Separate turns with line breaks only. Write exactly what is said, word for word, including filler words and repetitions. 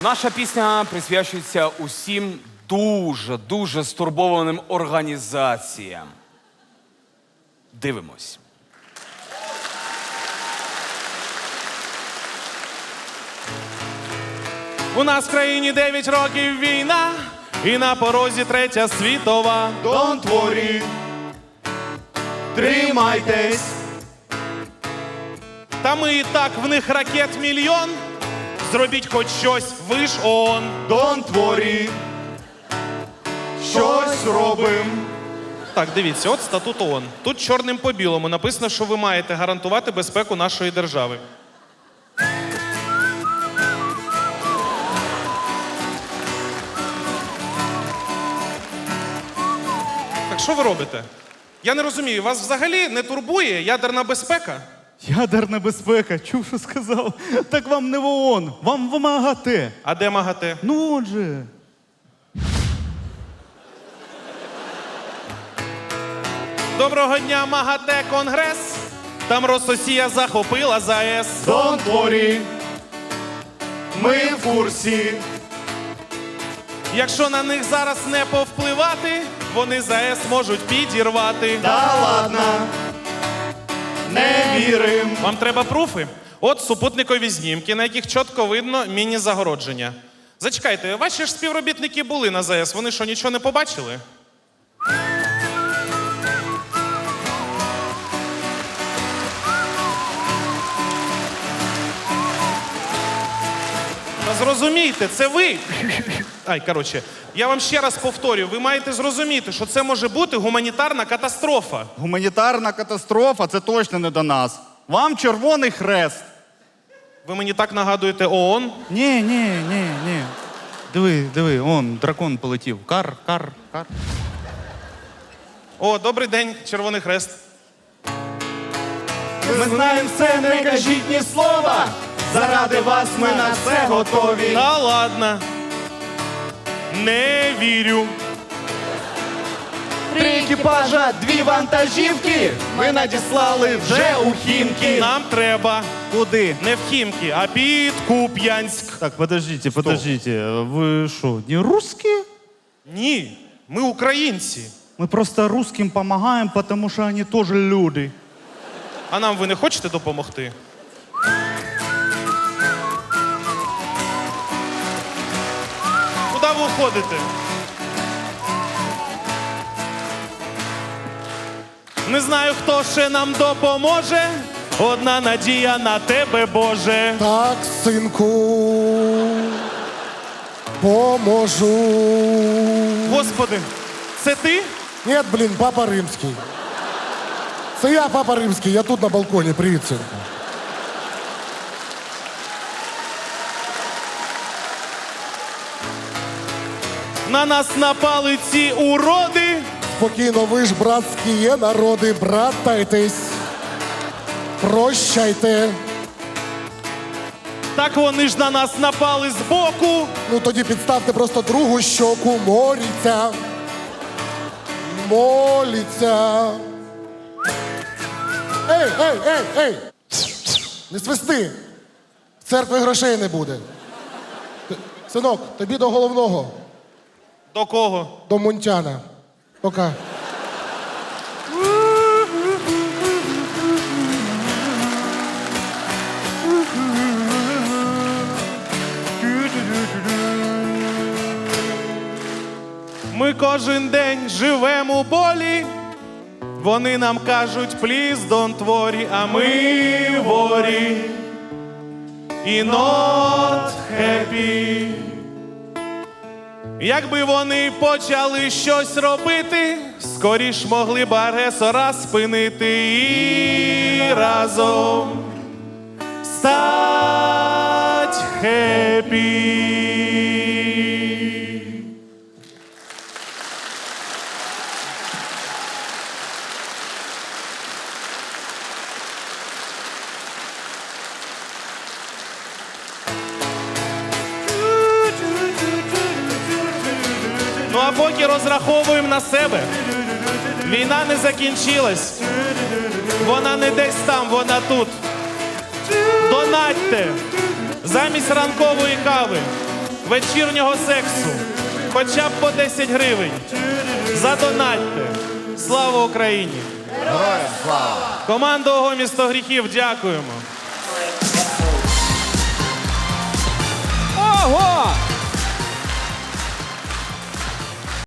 Наша пісня присвячується усім дуже-дуже стурбованим організаціям. Дивимось.
У нас в країні дев'ять років війна, і на порозі третя світова.
Don't worry, тримайтесь.
Та ми і так в них ракет мільйон. Зробіть хоч щось, ви ж ООН.
Don't worry, щось робим.
Так, дивіться, от статут ООН. Тут чорним по білому написано, що ви маєте гарантувати безпеку нашої держави. Так що ви робите? Я не розумію, вас взагалі не турбує ядерна безпека?
Ядерна безпека, чув, що сказав. Так вам не в ООН, вам в МАГАТЕ.
А де МАГАТЕ?
Ну, от же.
Доброго дня, МАГАТЕ, Конгрес. Там Рососія захопила ЗАЕС.
Don't worry, ми в курсі.
Якщо на них зараз не повпливати, вони ЗАЕС можуть підірвати.
Та ладно, не вірим.
Вам треба пруфи? От супутникові знімки, на яких чітко видно міні-загородження. Зачекайте, ваші ж співробітники були на ЗАЕС, вони що, нічого не побачили? Та зрозумійте, це ви. Ай, коротше, я вам ще раз повторю, ви маєте зрозуміти, що це може бути гуманітарна катастрофа.
Гуманітарна катастрофа, це точно не до нас. Вам Червоний Хрест.
Ви мені так нагадуєте ООН?
Ні, ні, ні, ні. Диви, диви, он, дракон полетів. Кар, кар, кар.
О, добрий день, Червоний Хрест.
Ми знаємо все, не кажіть ні слова. Заради вас ми на все готові.
Та ладно. Не вірю.
Три екіпажа, дві вантажівки. Ми надіслали вже у Хімки.
Нам треба
Куди?
не в Хімки, а під Куп'янськ.
Так, подождите, подождите. Ви що, не русские?
Ні, ми українці.
Ми просто русским помогаем, потому что они тоже люди.
А нам ви не хочете допомогти? Куди ви уходите? Не знаю, хто ще нам допоможе. Одна надія на тебе, Боже.
Так, синку, поможу.
Господи, це ти?
Нет, блін, папа римський. Це я, папа римський, я тут на балконі. Привіт, синку.
На нас напали ці уроди.
Спокійно, ви ж братські є народи, братайтесь. Прощайте.
Так вони ж на нас напали збоку.
Ну тоді підставте просто другу щоку, моліться. Моліться. Ей, ей, ей, ей! Не свисти! В церкві грошей не буде. Т- Синок, тобі до головного,
До кого?
до Мунтяна. Пока.
Ми кожен день живемо у болі. Вони нам кажуть, please don't worry, а ми worry і not happy. Якби вони почали щось робити, скоріш могли б агресора спинити і разом стать happy. Ну а поки розраховуємо на себе. Війна не закінчилась. Вона не десь там, вона тут. Донатьте. Замість ранкової кави вечірнього сексу. Хоча б по десять гривень. Задонатьте. Слава Україні!
Героям слава!
Команда ОГО «Місто гріхів», дякуємо.